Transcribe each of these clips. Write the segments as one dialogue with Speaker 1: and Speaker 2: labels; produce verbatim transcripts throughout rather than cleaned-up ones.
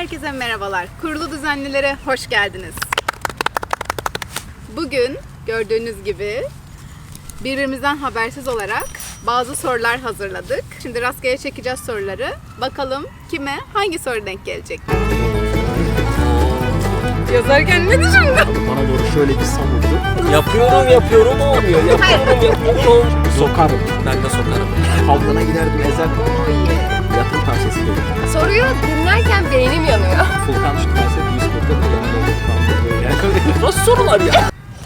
Speaker 1: Herkese merhabalar. Kurulu Düzenlilere hoş geldiniz. Bugün gördüğünüz gibi birbirimizden habersiz olarak bazı sorular hazırladık. Şimdi rastgele çekeceğiz soruları. Bakalım kime hangi soru denk gelecek? Yazarken ne düşündün?
Speaker 2: Bana doğru şöyle bir savurdu.
Speaker 3: Yapıyorum yapıyorum olmuyor. Yapıyorum yapıyorum olmuyor.
Speaker 2: Sokarım.
Speaker 3: Ben de sokarım.
Speaker 2: Kavgana giderdim ezer. Yatım tavsiyesi gelir.
Speaker 4: Soruyu dinlerken beynim yanıyor.
Speaker 2: Fulkan çıkmazsa yüz burada da yanında.
Speaker 3: Nasıl sorular ya?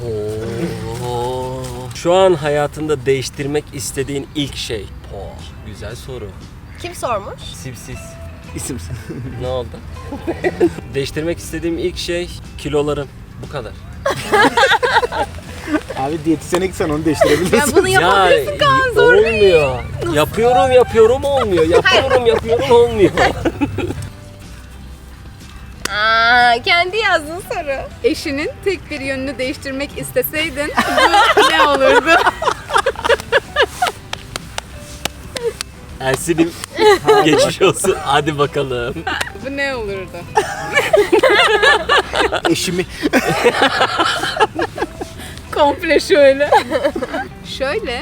Speaker 3: Şu an hayatında değiştirmek istediğin ilk şey. Oh, güzel soru.
Speaker 4: Kim sormuş?
Speaker 3: Sipsiz.
Speaker 2: İsimsin.
Speaker 3: Ne oldu? Değiştirmek istediğim ilk şey kilolarım. Bu kadar.
Speaker 2: Abi diyetisyene gitsen onu değiştirebilirsin.
Speaker 1: Ya bunu yapabilirsin Kaan, zor değil.
Speaker 3: olmuyor. Yapıyorum yapıyorum olmuyor. Yapıyorum yapıyorum olmuyor.
Speaker 4: Aa, kendi yazdığın soru.
Speaker 1: Eşinin tek bir yönünü değiştirmek isteseydin bu ne olurdu?
Speaker 3: Ersin'im geçiş olsun. Hadi bakalım.
Speaker 1: Bu ne olurdu?
Speaker 2: Eşimi.
Speaker 1: Komple şöyle. Şöyle.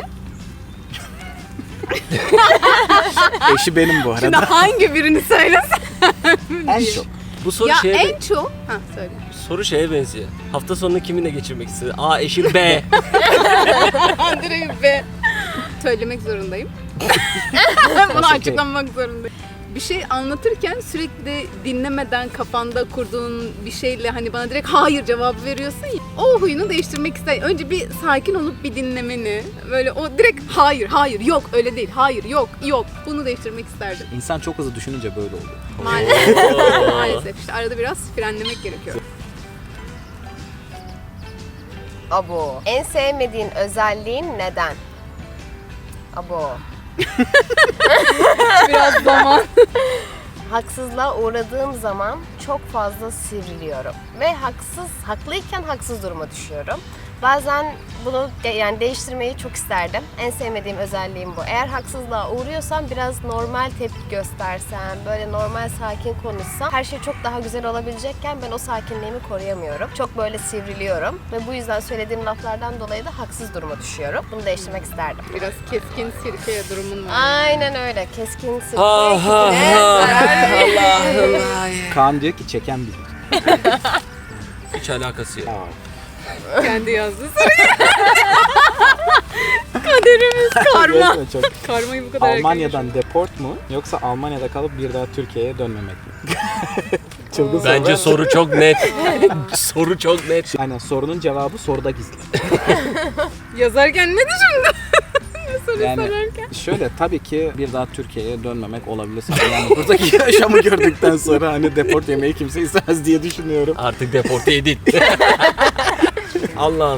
Speaker 2: Eşi benim bu
Speaker 1: Şimdi
Speaker 2: arada.
Speaker 1: hangi birini söylesen?
Speaker 2: En çok.
Speaker 3: Bu soru
Speaker 1: Ya
Speaker 3: şeye,
Speaker 1: en çok... Ha söyle.
Speaker 3: soru şeye benziyor. Hafta sonunu kiminle geçirmek istedi? A eşim B.
Speaker 1: Direkt be. Söylemek zorundayım. Bunu açıklamak zorundayım. Bir şey anlatırken sürekli dinlemeden kafanda kurduğun bir şeyle hani bana direkt hayır cevabı veriyorsun ya. O huyunu değiştirmek ister. Önce bir sakin olup bir dinlemeni. Böyle o direkt hayır, hayır, yok öyle değil. Hayır, yok, yok. Bunu değiştirmek isterdim.
Speaker 2: İnsan çok hızlı düşününce böyle oluyor.
Speaker 1: Maalesef. Maalesef. İşte arada biraz frenlemek gerekiyor.
Speaker 4: Abo. En sevmediğin özelliğin neden? Abo.
Speaker 1: Biraz zaman.
Speaker 4: Haksızlığa uğradığım zaman çok fazla sivriliyorum. Ve haksız, haklıyken haksız duruma düşüyorum. Bazen bunu de, yani değiştirmeyi çok isterdim. En sevmediğim özelliğim bu. Eğer haksızlığa uğruyorsam biraz normal tepki göstersem, böyle normal sakin konuşsam her şey çok daha güzel olabilecekken ben o sakinliğimi koruyamıyorum. Çok böyle sivriliyorum ve bu yüzden söylediğim laflardan dolayı da haksız duruma düşüyorum. Bunu değiştirmek isterdim.
Speaker 1: Biraz keskin sirke durumun var.
Speaker 4: Aynen öyle. Keskin sirke.
Speaker 3: Ha ha
Speaker 4: ikine
Speaker 3: ha.
Speaker 4: zarar verir.
Speaker 3: Allah Allah.
Speaker 2: Kaan diyor ki çeken bilir.
Speaker 3: Hiç alakası yok.
Speaker 2: Aa.
Speaker 1: Kendi yazdı soruyu. Kaderimiz karma.
Speaker 2: Resmen çok.
Speaker 1: Karmayı bu kadar erken
Speaker 2: Almanya'dan deport mu yoksa Almanya'da kalıp bir daha Türkiye'ye dönmemek mi? Çılgın soru.
Speaker 3: Bence soru çok net. Soru çok net.
Speaker 2: Aynen sorunun cevabı soruda gizli.
Speaker 1: Yazarken ne düşündün? Ne soru
Speaker 2: Yani
Speaker 1: sorarken?
Speaker 2: şöyle tabii ki bir daha Türkiye'ye dönmemek olabilir. Yani buradaki yaşamı gördükten sonra hani deport yemeyi kimse istemez diye düşünüyorum.
Speaker 3: Artık deporte edin. Allah'ım.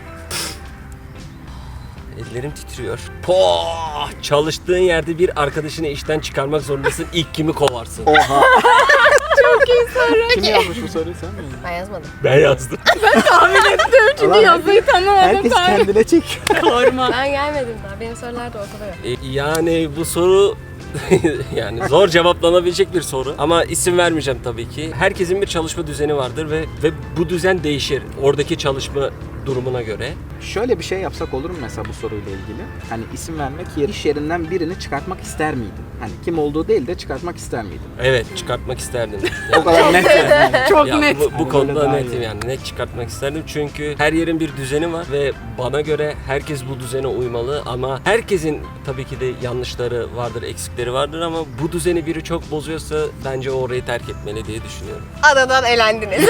Speaker 3: Ellerim titriyor. Poh! Çalıştığın yerde bir arkadaşını işten çıkarmak zorundasın. İlk kimi kovarsın?
Speaker 2: Oha.
Speaker 1: Çok iyi soru.
Speaker 2: Kim yazmış bu soruyu sen mi?
Speaker 4: Ben yazmadım.
Speaker 3: Ben yazdım.
Speaker 1: Tahmin ettim çünkü
Speaker 2: Ulan
Speaker 1: yazıyı tanımadım.
Speaker 2: Herkes
Speaker 1: Tahmin.
Speaker 2: kendine çek.
Speaker 1: Karma.
Speaker 4: Ben gelmedim daha. Benim sorular da ortada yok.
Speaker 3: E, yani bu soru yani zor cevaplanabilecek bir soru ama isim vermeyeceğim tabii ki. Herkesin bir çalışma düzeni vardır ve ve bu düzen değişir oradaki çalışma durumuna göre.
Speaker 2: Şöyle bir şey yapsak olur mu mesela bu soruyla ilgili? Hani isim vermek yerine iş yerinden birini çıkartmak ister miydin? Hani kim olduğu değil de çıkartmak ister miydin?
Speaker 3: Evet, çıkartmak isterdim.
Speaker 2: O kadar net yani.
Speaker 1: Çok
Speaker 3: Ya
Speaker 1: net.
Speaker 3: Bu, bu
Speaker 2: Hani
Speaker 3: konuda
Speaker 2: böyle daha
Speaker 3: netim
Speaker 2: iyi.
Speaker 3: yani net çıkartmak isterdim çünkü her yerin bir düzeni var ve bana göre herkes bu düzene uymalı ama herkesin tabii ki de yanlışları vardır, eksikleri vardır ama bu düzeni biri çok bozuyorsa bence o orayı terk etmeli diye düşünüyorum.
Speaker 4: Adadan elendiniz.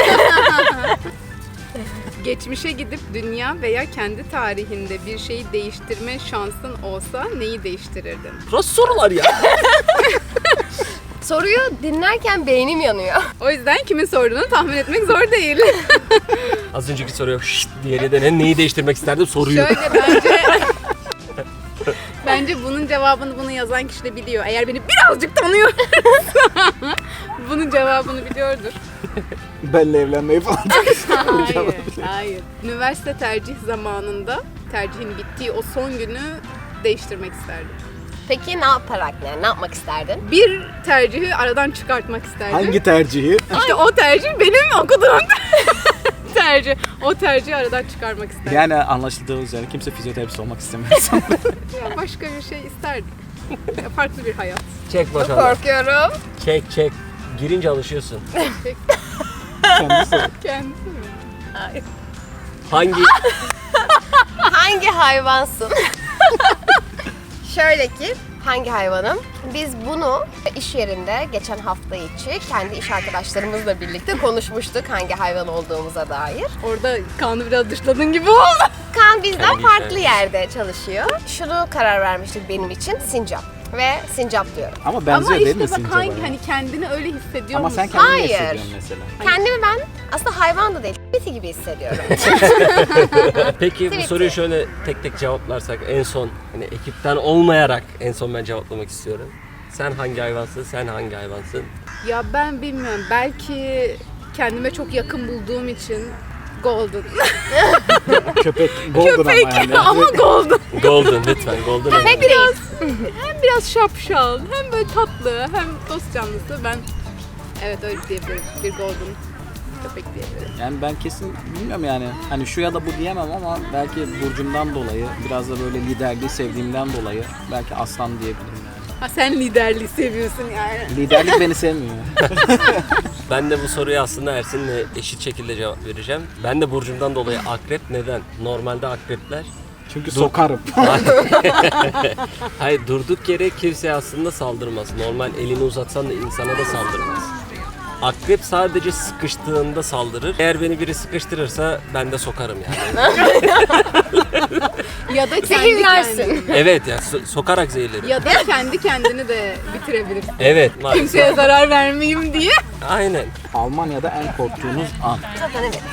Speaker 1: Geçmişe gidip dünya veya kendi tarihinde bir şeyi değiştirme şansın olsa neyi değiştirirdin?
Speaker 3: Nasıl sorular ya?
Speaker 4: Soruyu dinlerken beynim yanıyor.
Speaker 1: O yüzden kimin sorduğunu tahmin etmek zor değil.
Speaker 3: Az önceki soruya şşt diğeri de ne, neyi değiştirmek isterdim soruyu.
Speaker 1: Şöyle bence... Bence bunun cevabını bunu yazan kişi de biliyor. Eğer beni birazcık tanıyorsa bunun cevabını biliyordur.
Speaker 2: Benle evlenmeyi falan.
Speaker 1: Hayır, hayır. Üniversite tercih zamanında tercihin bittiği o son günü değiştirmek isterdim.
Speaker 4: Peki ne yaparak yani ne yapmak isterdin?
Speaker 1: Bir tercihi aradan çıkartmak isterdim.
Speaker 2: Hangi tercihi?
Speaker 1: İşte o tercih benim okuduğum tercih. O tercihi aradan çıkarmak isterdim.
Speaker 2: Yani anlaşıldığı üzere kimse fizyoterapist olmak istemiyor.
Speaker 1: Ya başka bir şey isterdim. Ya farklı bir hayat.
Speaker 3: Çek bakalım.
Speaker 4: Korkuyorum.
Speaker 3: Çek çek. Girince alışıyorsun.
Speaker 2: Kendisi.
Speaker 1: Kendisi mi?
Speaker 3: Hangi
Speaker 4: Hangi hayvansın? Şöyle ki hangi hayvanım? Biz bunu iş yerinde geçen hafta içi kendi iş arkadaşlarımızla birlikte konuşmuştuk hangi hayvan olduğumuza dair.
Speaker 1: Orada Kaan'ı biraz dışladığın gibi oldu.
Speaker 4: Kaan bizden
Speaker 3: Kendi
Speaker 4: farklı
Speaker 3: işler.
Speaker 4: yerde çalışıyor. Şunu karar vermiştik benim için sincap. Ve sincap diyorum.
Speaker 2: Ama benziyor
Speaker 1: Ama
Speaker 2: değil mi
Speaker 1: işte bak
Speaker 2: sincaba?
Speaker 1: hangi hani kendini öyle hissediyor
Speaker 2: Ama
Speaker 1: musun?
Speaker 2: sen kendini
Speaker 4: Hayır.
Speaker 2: hissediyorsun mesela.
Speaker 4: Kendimi ben aslında hayvan da değil, biti gibi hissediyorum.
Speaker 3: Peki bu
Speaker 4: Tweet'i.
Speaker 3: soruyu şöyle tek tek cevaplarsak en son hani ekipten olmayarak en son ben cevaplamak istiyorum. Sen hangi hayvansın? Sen hangi hayvansın?
Speaker 1: Ya ben bilmiyorum. Belki kendime çok yakın bulduğum için golden.
Speaker 2: Köpek golden
Speaker 1: Köpek
Speaker 2: ama yani.
Speaker 1: ama golden.
Speaker 3: Golden lütfen. Golden.
Speaker 1: Hem
Speaker 3: önemli.
Speaker 1: biraz hem biraz şapşal, hem böyle tatlı, hem dost canlısı. Ben evet öyle diyebilirim. Bir golden köpek diyebilirim.
Speaker 2: Yani ben kesin bilmiyorum yani. Hani şu ya da bu diyemem ama belki burcumdan dolayı, biraz da böyle liderliği sevdiğimden dolayı belki aslan diyebilirim yani.
Speaker 1: Ha sen liderliği seviyorsun yani.
Speaker 2: Liderlik beni sevmiyor.
Speaker 3: Ben de bu soruya aslında Ersin'le eşit şekilde cevap vereceğim. Ben de burcumdan dolayı akrep. Neden? Normalde akrepler
Speaker 2: Çünkü sokarım.
Speaker 3: hayır durduk yere kimseye aslında saldırmaz. Normal elini uzatsan da insana da saldırmaz. Akrep sadece sıkıştığında saldırır. Eğer beni biri sıkıştırırsa ben de sokarım yani.
Speaker 1: Ya da kendi
Speaker 4: Zehirlersin.
Speaker 1: kendini.
Speaker 3: Evet ya so- sokarak zehirlerim.
Speaker 1: Ya da kendi kendini de bitirebilirsin.
Speaker 3: Evet maalesef.
Speaker 1: Kimseye zarar vermeyeyim diye.
Speaker 3: Aynen.
Speaker 2: Almanya'da en korktuğunuz an.
Speaker 4: Zaten evet.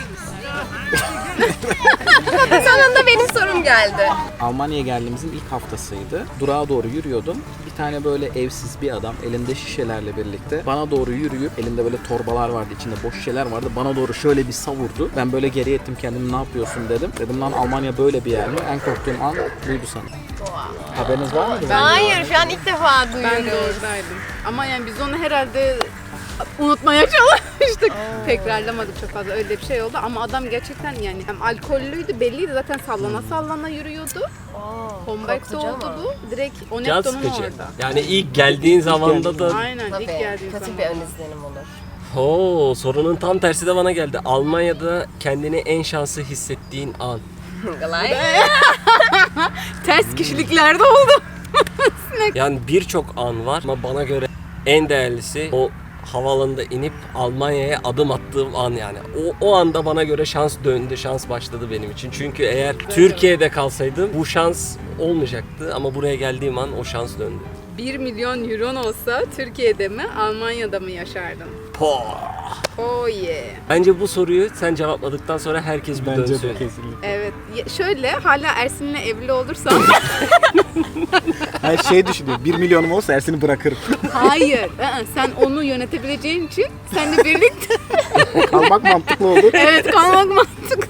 Speaker 4: Sonunda benim sorum geldi.
Speaker 2: Almanya'ya geldiğimizin ilk haftasıydı. Durağa doğru yürüyordum. Bir tane böyle evsiz bir adam elinde şişelerle birlikte bana doğru yürüyüp elinde böyle torbalar vardı, içinde boş şişeler vardı. Bana doğru şöyle bir savurdu. Ben böyle geri ettim kendimi, ne yapıyorsun dedim. Dedim lan Almanya böyle bir yer mi? En korktuğum an buydu sanırım. Haberiniz var mıydı?
Speaker 4: Hayır şu an ilk defa
Speaker 1: Ben de
Speaker 4: duyuyoruz.
Speaker 1: oradaydım. Ama yani biz onu herhalde unutmaya çalıştık. Tekrarlamadık çok fazla. Öyle bir şey oldu ama adam gerçekten yani hem alkollüydü, belliydi zaten, sallana sallana yürüyordu. Homberg'de
Speaker 4: korkutucu
Speaker 1: oldu
Speaker 4: ama.
Speaker 1: bu. Direkt
Speaker 3: Can
Speaker 1: Onetto'nun
Speaker 3: sıkıcı.
Speaker 1: orada.
Speaker 3: Yani ilk geldiğin zamanda da
Speaker 1: Aynen
Speaker 4: Tabii
Speaker 1: ilk geldiği
Speaker 4: kötü
Speaker 1: zaman.
Speaker 4: bir ön izlenim olur.
Speaker 3: Oo, sorunun tam tersi de bana geldi. Almanya'da kendini en şanslı hissettiğin an.
Speaker 4: Kolay.
Speaker 1: Ters kişiliklerde oldu.
Speaker 3: Yani birçok an var ama bana göre en değerlisi o havaalanında inip Almanya'ya adım attığım an yani. O, o anda bana göre şans döndü, şans başladı benim için. Çünkü eğer Türkiye'de kalsaydım bu şans olmayacaktı ama buraya geldiğim an o şans döndü.
Speaker 1: bir milyon euron olsa Türkiye'de mi, Almanya'da mı yaşardın?
Speaker 3: Po.
Speaker 1: Oh yeah.
Speaker 3: Bence bu soruyu sen cevapladıktan sonra herkes bir
Speaker 2: Bence
Speaker 3: dönsün.
Speaker 2: de kesinlikle.
Speaker 1: Evet. Ya şöyle hala Ersin'le evli olursam
Speaker 2: Her şey düşünüyor. Bir milyonum olsa Ersin'i bırakırım.
Speaker 1: hayır. ı-ı, Sen onu yönetebileceğin için seninle birlikte
Speaker 2: Kalmak mantıklı olur.
Speaker 1: evet kalmak mantıklı.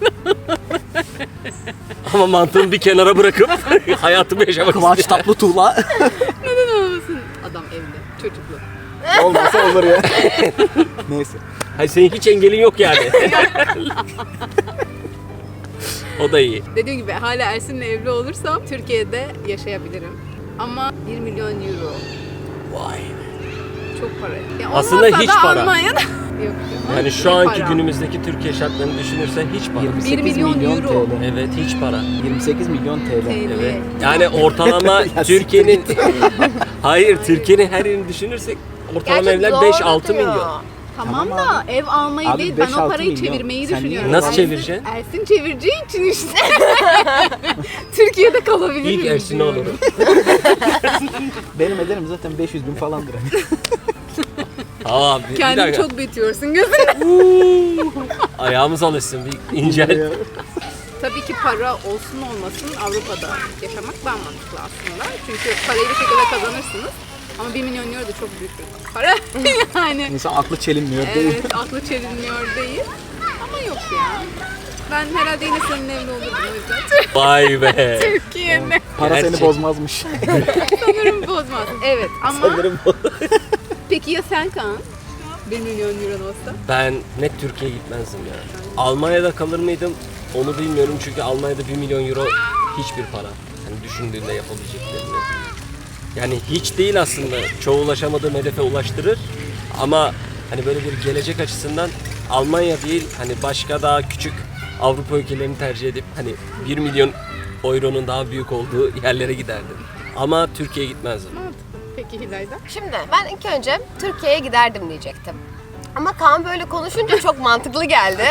Speaker 3: Ama mantığımı bir kenara bırakıp hayatımı yaşamak
Speaker 2: Kıvanç
Speaker 3: istiyorum.
Speaker 2: Tatlıtuğ'la
Speaker 1: Neden olmasın? Adam evli, çocuklu.
Speaker 2: olmasa olur ya. Neyse.
Speaker 3: Hayır senin hiç engelin yok yani. O da iyi.
Speaker 1: Dediğim gibi hala Ersin'le evli olursam Türkiye'de yaşayabilirim. Ama bir milyon euro
Speaker 3: Vay.
Speaker 1: çok para. Ya
Speaker 3: Aslında
Speaker 1: olmasa
Speaker 3: hiç
Speaker 1: da
Speaker 3: para.
Speaker 1: Almanya'da yok.
Speaker 3: Yani şu
Speaker 1: İyi
Speaker 3: anki
Speaker 1: para.
Speaker 3: günümüzdeki Türkiye şartlarını düşünürsen hiç para.
Speaker 2: yirmi sekiz
Speaker 1: milyon
Speaker 2: milyon
Speaker 1: euro.
Speaker 2: T L.
Speaker 3: Evet hiç para.
Speaker 2: yirmi sekiz milyon T L.
Speaker 1: T L.
Speaker 3: Evet. Yani ortalama
Speaker 2: Ya
Speaker 3: Türkiye'nin hayır Türkiye'nin her yerini düşünürsek ortalama
Speaker 4: Gerçi
Speaker 3: evler
Speaker 4: doğru
Speaker 3: beş altı
Speaker 4: diyor.
Speaker 3: milyon.
Speaker 1: Tamam,
Speaker 2: Tamam
Speaker 1: da ev almayı
Speaker 2: Abi
Speaker 1: değil, ben
Speaker 2: beş
Speaker 1: o
Speaker 2: altı
Speaker 1: parayı
Speaker 2: milyon.
Speaker 1: çevirmeyi
Speaker 2: Sen
Speaker 1: düşünüyorum.
Speaker 2: niye-
Speaker 3: Nasıl
Speaker 1: Ersin-
Speaker 3: çevireceksin?
Speaker 1: Ersin çevireceği için işte. Türkiye'de kalabilirim.
Speaker 3: İlk Ersin'i
Speaker 1: diyorum.
Speaker 3: olurum.
Speaker 2: Benim ederim zaten beş yüz bin falandır.
Speaker 3: Aa bir, bir
Speaker 1: Kendini
Speaker 3: dakika.
Speaker 1: çok büyütüyorsun gözüne.
Speaker 3: Ayağımız alışsın bir incel.
Speaker 1: Tabii ki para olsun olmasın Avrupa'da yaşamak daha mantıklı aslında. Çünkü parayı bir şekilde kazanırsınız. Ama bir milyon euro da çok büyük bir para. Yani
Speaker 2: İnsan aklı çelinmiyor değil.
Speaker 1: evet aklı çelinmiyor değil. Ama yok ya. Ben herhalde yine seninle evli olurdum o yüzden.
Speaker 3: Vay be.
Speaker 1: Türkiye'ne.
Speaker 2: Para
Speaker 3: Gerçek.
Speaker 2: seni bozmazmış.
Speaker 1: Sanırım bozmaz. Evet ama
Speaker 2: Sanırım bu.
Speaker 1: peki ya sen Kaan? bir milyon euro olsa?
Speaker 3: Ben net Türkiye'ye gitmezdim ya. Almanya'da kalır mıydım? Onu bilmiyorum çünkü Almanya'da bir milyon euro hiçbir para. Hani düşündüğünde yapabileceklerini. Yani hiç değil aslında. Çoğu ulaşamadığım hedefe ulaştırır. Ama hani böyle bir gelecek açısından Almanya değil, hani başka daha küçük Avrupa ülkelerini tercih edip hani bir milyon euronun daha büyük olduğu yerlere giderdim. Ama Türkiye'ye gitmezdim.
Speaker 1: Mantıklı. Peki Hilay'da?
Speaker 4: Şimdi ben ilk önce Türkiye'ye giderdim diyecektim. Ama Kaan böyle konuşunca çok mantıklı geldi.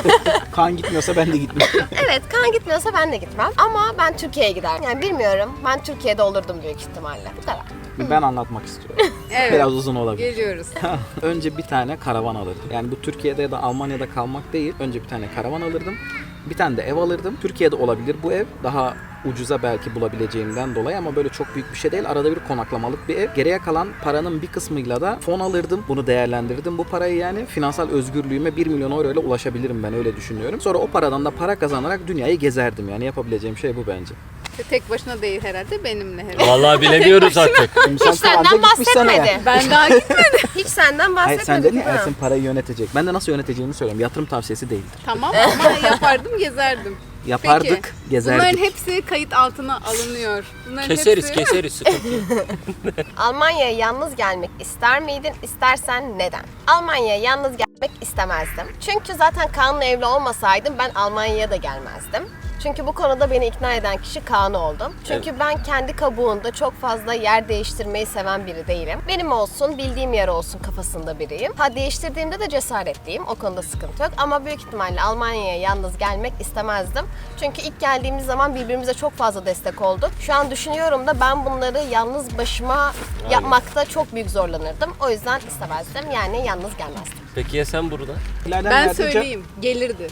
Speaker 2: Kaan gitmiyorsa ben de gitmem.
Speaker 4: Evet, Kaan gitmiyorsa ben de gitmem. Ama ben Türkiye'ye giderdim. Yani bilmiyorum, ben Türkiye'de olurdum büyük ihtimalle. Bu kadar.
Speaker 2: Ben anlatmak istiyorum.
Speaker 1: Evet.
Speaker 2: Biraz uzun olabilir.
Speaker 1: Geliyoruz.
Speaker 2: Önce bir tane karavan alırdım. Yani bu Türkiye'de ya da Almanya'da kalmak değil. Önce bir tane karavan alırdım. Bir tane de ev alırdım. Türkiye'de olabilir bu ev. Daha ucuza belki bulabileceğimden dolayı ama böyle çok büyük bir şey değil. Arada bir konaklamalık bir ev. Geriye kalan paranın bir kısmıyla da fon alırdım. Bunu değerlendirdim. Bu parayı yani finansal özgürlüğüme bir milyon euro ile ulaşabilirim, ben öyle düşünüyorum. Sonra o paradan da para kazanarak dünyayı gezerdim. Yani yapabileceğim şey bu bence.
Speaker 1: Tek başına değil herhalde, benimle herhalde.
Speaker 3: Vallahi bilemiyoruz artık.
Speaker 2: Şimdi sen
Speaker 4: Hiç
Speaker 2: tatilde
Speaker 4: senden
Speaker 2: gitmişsen eğer-
Speaker 4: bahsetmedi.
Speaker 1: Ben daha gitmedim.
Speaker 4: Hiç senden
Speaker 2: Hayır
Speaker 4: bahsetmedi.
Speaker 2: sen dedin ya
Speaker 4: Ha.
Speaker 2: Ersin parayı yönetecek. Ben de nasıl yöneteceğimi söylüyorum. Yatırım tavsiyesi değildir.
Speaker 1: Tamam ama yapardım, gezerdim.
Speaker 2: Yapardık,
Speaker 1: Peki,
Speaker 2: gezerdik.
Speaker 1: bunların hepsi kayıt altına alınıyor. Bunların
Speaker 3: Keseriz
Speaker 1: hepsi...
Speaker 3: keseriz sıkıntı yok.
Speaker 4: Almanya'ya yalnız gelmek ister miydin? İstersen neden? Almanya'ya yalnız gelmek istemezdim. Çünkü zaten Kaan'la evli olmasaydım ben Almanya'ya da gelmezdim. Çünkü bu konuda beni ikna eden kişi Kaan oldu. Çünkü ben kendi kabuğunda çok fazla yer değiştirmeyi seven biri değilim. Benim olsun, bildiğim yer olsun kafasında biriyim. Ha değiştirdiğimde de cesaretliyim. O konuda sıkıntı yok. Ama büyük ihtimalle Almanya'ya yalnız gelmek istemezdim. Çünkü ilk geldiğimiz zaman birbirimize çok fazla destek olduk. Şu an düşünüyorum da ben bunları yalnız başıma yapmakta çok büyük zorlanırdım. O yüzden istemezdim. Yani yalnız gelmezdim.
Speaker 3: Peki ya sen burada?
Speaker 2: İleriden
Speaker 1: Ben
Speaker 2: yardımcı-
Speaker 1: söyleyeyim, gelirdi.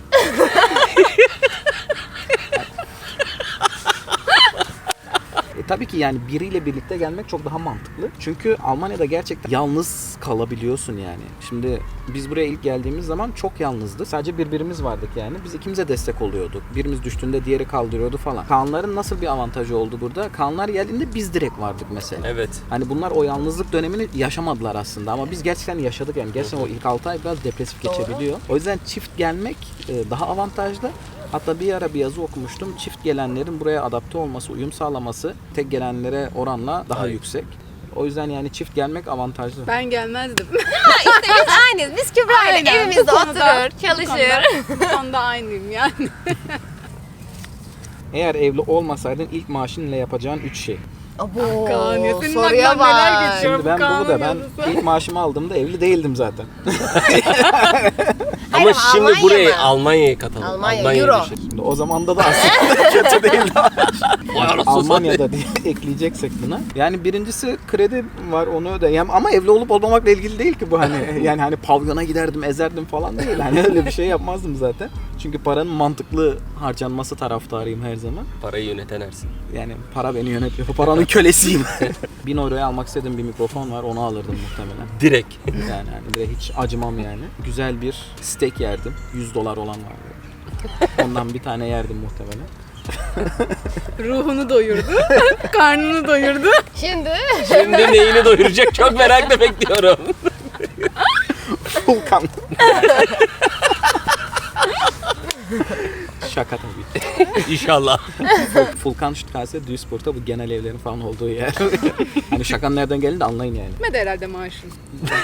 Speaker 2: E, tabii ki yani biriyle birlikte gelmek çok daha mantıklı. Çünkü Almanya'da gerçekten yalnız kalabiliyorsun yani. Şimdi biz buraya ilk geldiğimiz zaman çok yalnızdık. Sadece birbirimiz vardık yani. Biz ikimize destek oluyorduk. Birimiz düştüğünde diğeri kaldırıyordu falan. Kaanların nasıl bir avantajı oldu burada? Kaanlar geldiğinde biz direkt vardık mesela.
Speaker 3: Evet.
Speaker 2: Hani bunlar o yalnızlık dönemini yaşamadılar aslında ama biz gerçekten yaşadık yani. Gerçekten o ilk altı ay biraz depresif
Speaker 4: Doğru.
Speaker 2: geçebiliyor. O yüzden çift gelmek e, daha avantajlı. Hatta bir ara bir yazı okumuştum. Çift gelenlerin buraya adapte olması, uyum sağlaması tek gelenlere oranla daha
Speaker 3: Aynen.
Speaker 2: yüksek. O yüzden yani çift gelmek avantajlı.
Speaker 1: Ben gelmezdim.
Speaker 4: Ha işte biz aynıyız. Biz Kübra'yla
Speaker 1: Aynen,
Speaker 4: evimizde
Speaker 1: bu konuda-
Speaker 4: oturur, çalışır.
Speaker 1: Bu konuda, bu konuda aynıyım yani.
Speaker 2: Eğer evli olmasaydın ilk maaşınla yapacağın üç şey.
Speaker 4: Abo,
Speaker 1: Kaan ya, senin
Speaker 4: soruya
Speaker 1: aklından neler
Speaker 4: bak.
Speaker 1: geçiyor?
Speaker 2: Şimdi ben
Speaker 1: Kaan'ın
Speaker 2: bu da ben
Speaker 1: yazısı.
Speaker 2: ilk maaşımı aldığımda evli değildim zaten.
Speaker 3: Ama
Speaker 4: Hayır,
Speaker 3: şimdi
Speaker 4: Almanya
Speaker 3: burayı
Speaker 4: mı?
Speaker 3: Almanya'ya katalım.
Speaker 4: Almanya,
Speaker 3: Almanya'ya
Speaker 4: Euro.
Speaker 3: düşelim.
Speaker 2: Şimdi o zamanda da aslında kötü değildi.
Speaker 3: Vay anasını
Speaker 2: Almanya'da diye ekleyeceksek buna. Yani birincisi kredi var, onu ödeyem ama evli olup olmamakla ilgili değil ki bu hani. Yani hani pavyona giderdim, ezerdim falan değil. Hani öyle bir şey yapmazdım zaten. Çünkü paranın mantıklı harcanması taraftarıyım her zaman.
Speaker 3: Parayı yöneten Ersin.
Speaker 2: Yani para beni yönetiyor. Bu paranın kölesiyim. bin euroya almak istediğim bir mikrofon var, onu alırdım muhtemelen.
Speaker 3: Direkt.
Speaker 2: Yani hani bir de hiç acımam yani. Güzel bir steak yerdim. yüz dolar olan var. böyle. Ondan bir tane yerdim muhtemelen.
Speaker 1: Ruhunu doyurdu, karnını doyurdu.
Speaker 4: Şimdi
Speaker 3: Şimdi neyini doyuracak çok merakla bekliyorum.
Speaker 2: Fulkan. Şaka tabii.
Speaker 3: İnşallah.
Speaker 2: Fulkan Straße, Duisburg'da bu genel evlerin falan olduğu yer. Hani şakanın nereden geldiğini de anlayın yani.
Speaker 1: Bitmedi herhalde maaşın.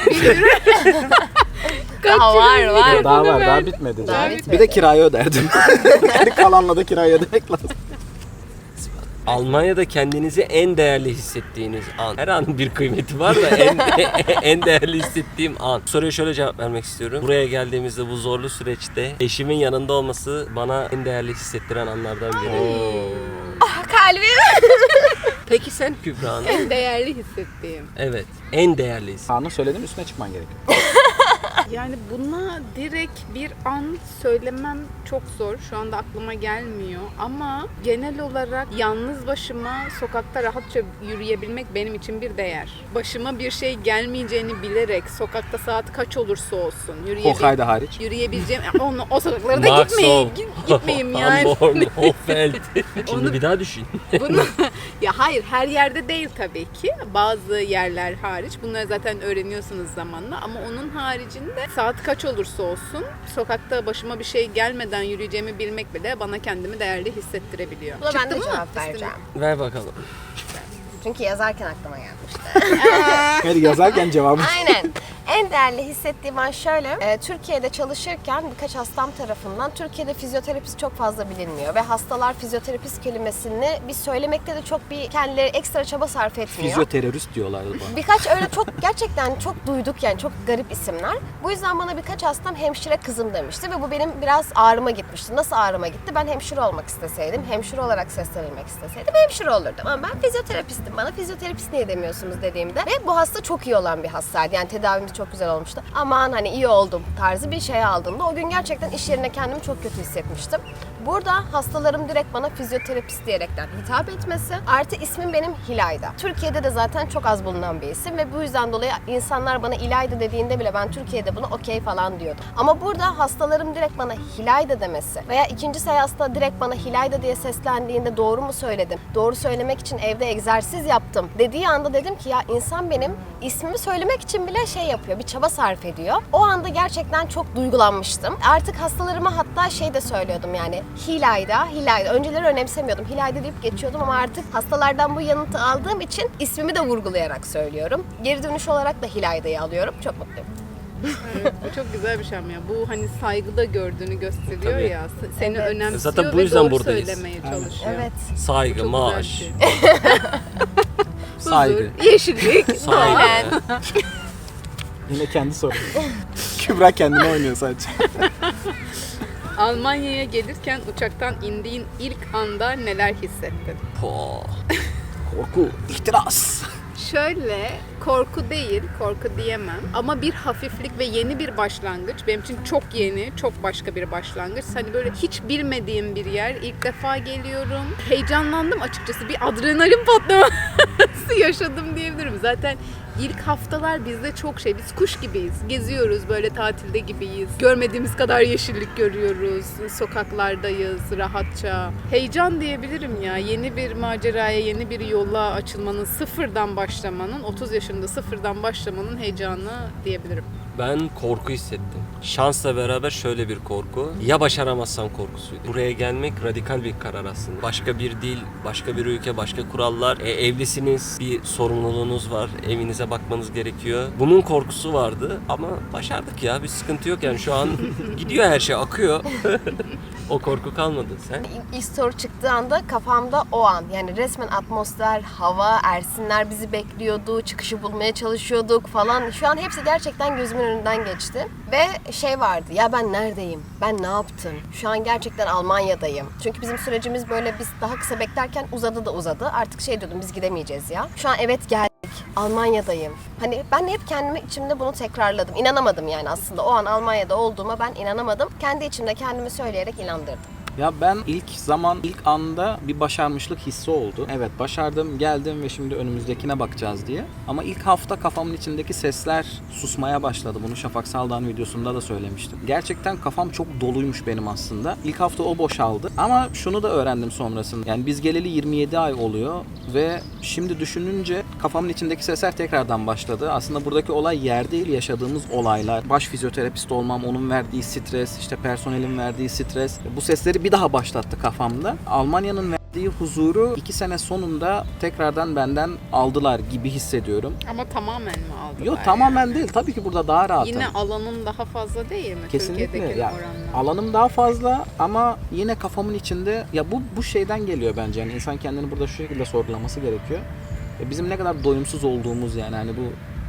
Speaker 4: daha var var.
Speaker 2: Daha var, daha
Speaker 1: ver.
Speaker 2: bitmedi.
Speaker 4: Daha
Speaker 2: zaten.
Speaker 4: bitmedi.
Speaker 2: Bir de kirayı öderdim. Yani kalanla da kirayı ödemek lazım.
Speaker 3: Almanya'da kendinizi en değerli hissettiğiniz an. Her anın bir kıymeti var da en en değerli hissettiğim an. Soruya şöyle cevap vermek istiyorum. Buraya geldiğimizde bu zorlu süreçte eşimin yanında olması bana en değerli hissettiren anlardan biri.
Speaker 4: Ah, kalbim.
Speaker 3: Peki sen Kübra Hanım?
Speaker 1: En değerli hissettiğim.
Speaker 3: Evet. En değerli hissettiğim.
Speaker 2: Kaan'ın söylediğim üstüne çıkman gerekiyor.
Speaker 1: Yani buna direkt bir an söylemem çok zor. Şu anda aklıma gelmiyor. Ama genel olarak yalnız başıma sokakta rahatça yürüyebilmek benim için bir değer. Başıma bir şey gelmeyeceğini bilerek sokakta saat kaç olursa olsun yürüyebil-
Speaker 2: Hokkaido hariç.
Speaker 1: yürüyebileceğim. Onu, o sokaklara da
Speaker 3: Maxov,
Speaker 1: gitmeyeyim. Git- Gitmeyeyim yani.
Speaker 3: Hamborn, Hoffeld. Şimdi
Speaker 1: Onu-
Speaker 3: bir daha düşün.
Speaker 1: Bunu, ya hayır, her yerde değil tabii ki. Bazı yerler hariç. Bunları zaten öğreniyorsunuz zamanla. Ama onun haricinde saat kaç olursa olsun sokakta başıma bir şey gelmeden yürüyeceğimi bilmek bile bana kendimi değerli hissettirebiliyor.
Speaker 4: Buna ben
Speaker 1: Çıktı
Speaker 4: de
Speaker 1: mı?
Speaker 4: cevap
Speaker 1: Üstüne.
Speaker 4: vereceğim.
Speaker 3: Ver bakalım.
Speaker 4: Çünkü yazarken aklıma gelmişti.
Speaker 2: Hadi yazarken cevabı.
Speaker 4: Aynen. En değerli hissettiğim an şöyle. e, Türkiye'de çalışırken birkaç hastam tarafından Türkiye'de fizyoterapist çok fazla bilinmiyor ve hastalar fizyoterapist kelimesini biz söylemekte de çok bir kendileri ekstra çaba sarf etmiyor.
Speaker 2: Fizyoterörist diyorlardı bana.
Speaker 4: Birkaç öyle çok gerçekten çok duyduk yani çok garip isimler. Bu yüzden bana birkaç hastam hemşire kızım demişti ve bu benim biraz ağrıma gitmişti. Nasıl ağrıma gitti? Ben hemşire olmak isteseydim, hemşire olarak seslenilmek isteseydim hemşire olurdum. Ama ben fizyoterapistim. Bana fizyoterapist niye demiyorsunuz dediğimde ve bu hasta çok iyi olan bir hastaydı. Yani tedavimiz çok güzel olmuştu. Aman hani iyi oldum tarzı bir şey aldığımda o gün gerçekten iş yerine kendimi çok kötü hissetmiştim. Burada hastalarım direkt bana fizyoterapist diyerekten hitap etmesi artı ismim benim Hilayda. Türkiye'de de zaten çok az bulunan bir isim ve bu yüzden dolayı insanlar bana İlayda dediğinde bile ben Türkiye'de buna okey falan diyordum. Ama burada hastalarım direkt bana Hilayda demesi veya ikinci seansta direkt bana Hilayda diye seslendiğinde doğru mu söyledim? Doğru söylemek için evde egzersiz yaptım dediği anda dedim ki ya insan benim ismimi söylemek için bile şey yapıyor, bir çaba sarf ediyor. O anda gerçekten çok duygulanmıştım. Artık hastalarıma hatta şey de söylüyordum yani Hilayda, Hilayda. Önceleri önemsemiyordum. Hilayda deyip geçiyordum ama artık hastalardan bu yanıtı aldığım için ismimi de vurgulayarak söylüyorum. Geri dönüş olarak da Hilayda'yı alıyorum. Çok mutluyum.
Speaker 1: Evet, bu çok güzel bir şey ama ya. Bu hani saygıda gördüğünü gösteriyor
Speaker 3: Tabii.
Speaker 1: ya. Seni
Speaker 4: Evet.
Speaker 1: önemsiyor
Speaker 3: Zaten bu
Speaker 1: ve
Speaker 3: yüzden
Speaker 1: doğru
Speaker 3: buradayız.
Speaker 1: söylemeye
Speaker 2: Aynen.
Speaker 1: çalışıyor.
Speaker 4: Evet.
Speaker 3: Saygı,
Speaker 1: Çok güzel
Speaker 3: maaş.
Speaker 1: bir şey.
Speaker 2: Saygı.
Speaker 1: Huzur, yeşillik, doğa.
Speaker 3: Saygı.
Speaker 2: Yine kendi sorun. Kübra kendine oynuyor sadece.
Speaker 1: Almanya'ya gelirken uçaktan indiğin ilk anda neler hissettin?
Speaker 3: Po.
Speaker 2: Korku, ihtiras.
Speaker 1: Şöyle, korku değil, korku diyemem ama bir hafiflik ve yeni bir başlangıç. Benim için çok yeni, çok başka bir başlangıç. Hani böyle hiç bilmediğim bir yer, ilk defa geliyorum. Heyecanlandım açıkçası, bir adrenalin patlaması yaşadım diyebilirim. Zaten ilk haftalar bizde çok şey, biz kuş gibiyiz, geziyoruz, böyle tatilde gibiyiz. Görmediğimiz kadar yeşillik görüyoruz, sokaklardayız rahatça. Heyecan diyebilirim ya, yeni bir maceraya, yeni bir yola açılmanın, sıfırdan başlamanın, otuz yaşında sıfırdan başlamanın heyecanı diyebilirim.
Speaker 3: Ben korku hissettim. Şansla beraber şöyle bir korku. Ya başaramazsam korkusuydu. Buraya gelmek radikal bir karar aslında. Başka bir dil, başka bir ülke, başka kurallar. E, evlisiniz, bir sorumluluğunuz var. Evinize bakmanız gerekiyor. Bunun korkusu vardı ama başardık ya. Bir sıkıntı yok yani şu an gidiyor her şey, akıyor. O korku kalmadı. Sen?
Speaker 4: İlk soru çıktığı anda kafamda o an yani resmen atmosfer, hava, Ersinler bizi bekliyordu, çıkışı bulmaya çalışıyorduk falan. Şu an hepsi gerçekten gözümün önünden geçti. Ve şey vardı, ya ben neredeyim? Ben ne yaptım? Şu an gerçekten Almanya'dayım. Çünkü bizim sürecimiz böyle biz daha kısa beklerken uzadı da uzadı. Artık şey diyordum, biz gidemeyeceğiz ya. Şu an evet geldik. Almanya'dayım. Hani ben hep kendimi içimde bunu tekrarladım. İnanamadım yani aslında. O an Almanya'da olduğuma ben inanamadım. Kendi içimde kendimi söyleyerek inandırdım.
Speaker 2: Ya ben ilk zaman, ilk anda bir başarmışlık hissi oldu. Evet başardım, geldim ve şimdi önümüzdekine bakacağız diye. Ama ilk hafta kafamın içindeki sesler susmaya başladı. Bunu Şafak Saldağ'ın videosunda da söylemiştim. Gerçekten kafam çok doluymuş benim aslında. İlk hafta o boşaldı. Ama şunu da öğrendim sonrasında. Yani biz geleli yirmi yedi ay oluyor ve şimdi düşününce kafamın içindeki sesler tekrardan başladı. Aslında buradaki olay yer değil, yaşadığımız olaylar. Baş fizyoterapist olmam, onun verdiği stres, işte personelin verdiği stres. Bu sesleri bir daha başlattı kafamda. Almanya'nın verdiği huzuru iki sene sonunda tekrardan benden aldılar gibi hissediyorum.
Speaker 1: Ama tamamen mi aldılar?
Speaker 2: Yok tamamen değil. Tabii ki burada daha rahatım.
Speaker 1: Yine alanın daha fazla değil mi?
Speaker 2: Kesinlikle.
Speaker 1: Türkiye'dekine
Speaker 2: Ya,
Speaker 1: oranla.
Speaker 2: alanım daha fazla ama yine kafamın içinde ya bu bu şeyden geliyor bence. Yani insan kendini burada şu şekilde sorgulaması gerekiyor. Ya bizim ne kadar doyumsuz olduğumuz yani hani bu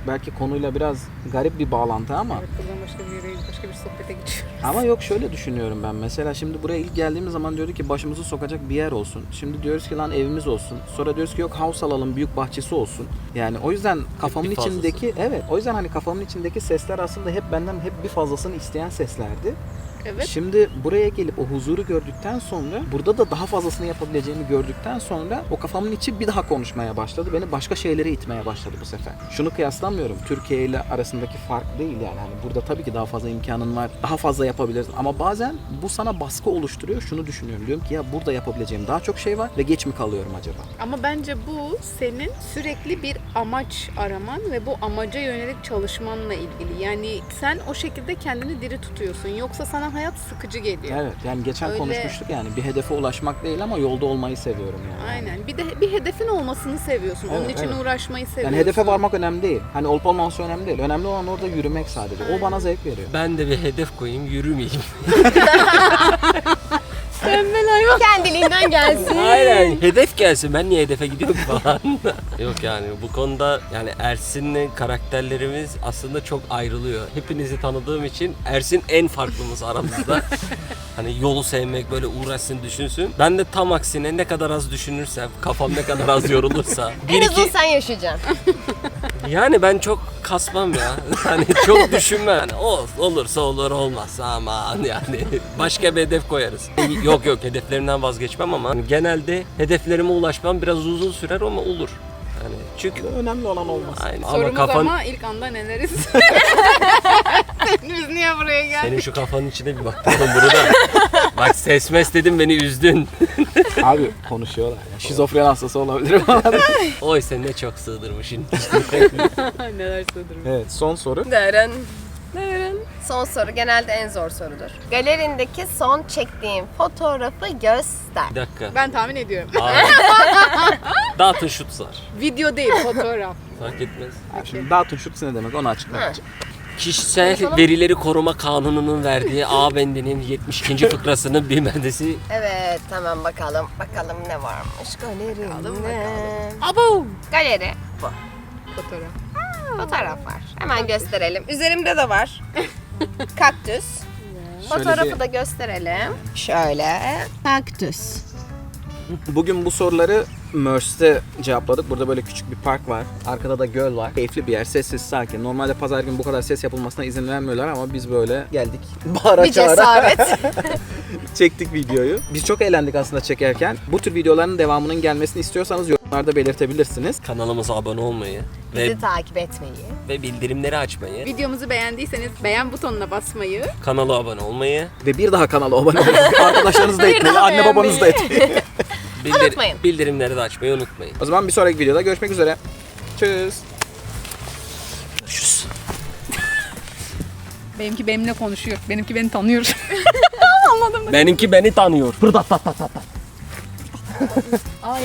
Speaker 2: belki konuyla biraz garip bir bağlantı ama
Speaker 1: Evet, buradan başka bir yere, başka bir sohbete geçiyoruz.
Speaker 2: ama yok, şöyle düşünüyorum ben. Mesela şimdi buraya ilk geldiğimiz zaman diyorduk ki başımızı sokacak bir yer olsun. Şimdi diyoruz ki lan evimiz olsun. Sonra diyoruz ki yok house alalım, büyük bahçesi olsun. Yani o yüzden kafamın
Speaker 3: bir fazlası.
Speaker 2: içindeki evet o yüzden hani kafamın içindeki sesler aslında hep benden hep bir fazlasını isteyen seslerdi.
Speaker 1: Evet.
Speaker 2: Şimdi buraya gelip o huzuru gördükten sonra, burada da daha fazlasını yapabileceğimi gördükten sonra o kafamın içi bir daha konuşmaya başladı. Beni başka şeylere itmeye başladı bu sefer. Şunu kıyaslamıyorum. Türkiye ile arasındaki fark değil yani. Hani burada tabii ki daha fazla imkanın var. Daha fazla yapabilirsin. Ama bazen bu sana baskı oluşturuyor. Şunu düşünüyorum. Diyorum ki ya burada yapabileceğim daha çok şey var ve geç mi kalıyorum acaba?
Speaker 1: Ama bence bu senin sürekli bir amaç araman ve bu amaca yönelik çalışmanla ilgili. Yani sen o şekilde kendini diri tutuyorsun. Yoksa sana hayat sıkıcı geliyor.
Speaker 2: Evet yani geçen
Speaker 1: Öyle-
Speaker 2: konuşmuştuk yani bir hedefe ulaşmak değil ama yolda olmayı seviyorum yani.
Speaker 1: Aynen. Bir de bir hedefin olmasını seviyorsun. Onun
Speaker 2: Evet,
Speaker 1: için
Speaker 2: evet.
Speaker 1: uğraşmayı seviyorsun.
Speaker 2: Yani hedefe varmak önemli değil. Hani olup olmaması önemli değil. Önemli olan orada yürümek sadece. O bana zevk veriyor.
Speaker 3: Ben de bir hedef koyayım, yürümeyeyim.
Speaker 4: Kendiliğinden gelsin.
Speaker 3: Aynen, hedef gelsin. Ben niye hedefe gidiyorum falan. Yok yani bu konuda yani Ersin'le karakterlerimiz aslında çok ayrılıyor. Hepinizi tanıdığım için Ersin en farklımız aramızda. Hani yolu sevmek, böyle uğraşsın, düşünsün. Ben de tam aksine ne kadar az düşünürsem, kafam ne kadar az yorulursa.
Speaker 4: En
Speaker 3: Bir
Speaker 4: uzun
Speaker 3: iki,
Speaker 4: sen yaşayacaksın.
Speaker 3: yani ben çok kasmam ya. Hani çok düşünmem. Yani of, olursa olur, olmazsa aman yani. Başka bir hedef koyarız. Yok yok, hedeflerimden vazgeçmem ama genelde hedeflerime ulaşmam biraz uzun sürer ama olur. Yani çünkü
Speaker 2: Önemli olan olması.
Speaker 3: aynen. ama
Speaker 1: Sorumuz
Speaker 3: kafan
Speaker 1: ama ilk anda neleriz? Biz niye buraya geldik?
Speaker 3: senin şu kafanın içine bir bak oğlum burada. Bak ses mes dedim, beni üzdün.
Speaker 2: Abi konuşuyorlar ya. Şizofren hastası olabilirim.
Speaker 3: Oy sen ne çok sığdırmışsın.
Speaker 1: Neler sığdırmış.
Speaker 2: Evet son soru.
Speaker 4: Deren. Deren. Son soru genelde en zor sorudur. Galerindeki son çektiğin fotoğrafı göster.
Speaker 3: Bir dakika.
Speaker 1: Ben tahmin ediyorum.
Speaker 3: Abi. Dağıtın şutlar.
Speaker 1: Video değil, fotoğraf.
Speaker 3: Fark etmez.
Speaker 2: Ha, şimdi dağıtın şut ne demek onu açıklayacağım.
Speaker 3: Kişisel verileri koruma kanununun verdiği A bendinin yetmiş ikinci fıkrasının bir maddesi.
Speaker 4: Evet tamam bakalım. Bakalım ne varmış galerinde.
Speaker 1: Bakalım, bakalım. Abo!
Speaker 4: Galeri. Bu.
Speaker 1: Fotoğraf.
Speaker 4: Fotoğraf var. Hemen gösterelim. Üzerimde de var. Kaktüs.
Speaker 2: Şöyle
Speaker 4: Fotoğrafı
Speaker 2: bir-
Speaker 4: da gösterelim. Şöyle. Kaktüs.
Speaker 2: Bugün bu soruları Merce'de cevapladık. Burada böyle küçük bir park var. Arkada da göl var. Keyifli bir yer. Sessiz, sakin. Normalde pazar günü bu kadar ses yapılmasına izin vermiyorlar ama biz böyle geldik. Bağıra
Speaker 4: Bir
Speaker 2: çağıra
Speaker 4: cesaret.
Speaker 2: çektik videoyu. Biz çok eğlendik aslında çekerken. Bu tür videoların devamının gelmesini istiyorsanız yorumlarda belirtebilirsiniz.
Speaker 3: Kanalımıza abone olmayı ve,
Speaker 4: Bizi takip etmeyi.
Speaker 3: ve bildirimleri açmayı,
Speaker 1: Videomuzu beğendiyseniz beğen butonuna basmayı,
Speaker 3: kanala abone olmayı,
Speaker 2: Ve bir daha kanala abone olmayı. Arkadaşlarınız da etmeli,
Speaker 4: daha
Speaker 2: anne babanız da
Speaker 4: beğenmeyi.
Speaker 2: etmeli.
Speaker 3: bildir-
Speaker 4: Unutmayın.
Speaker 3: bildirimleri de açmayı unutmayın.
Speaker 2: O zaman bir sonraki videoda görüşmek üzere. Tschüss.
Speaker 3: Görüşürüz.
Speaker 1: benimki benimle konuşuyor. Benimki beni tanıyor.
Speaker 3: Benimki beni tanıyor.
Speaker 1: Ay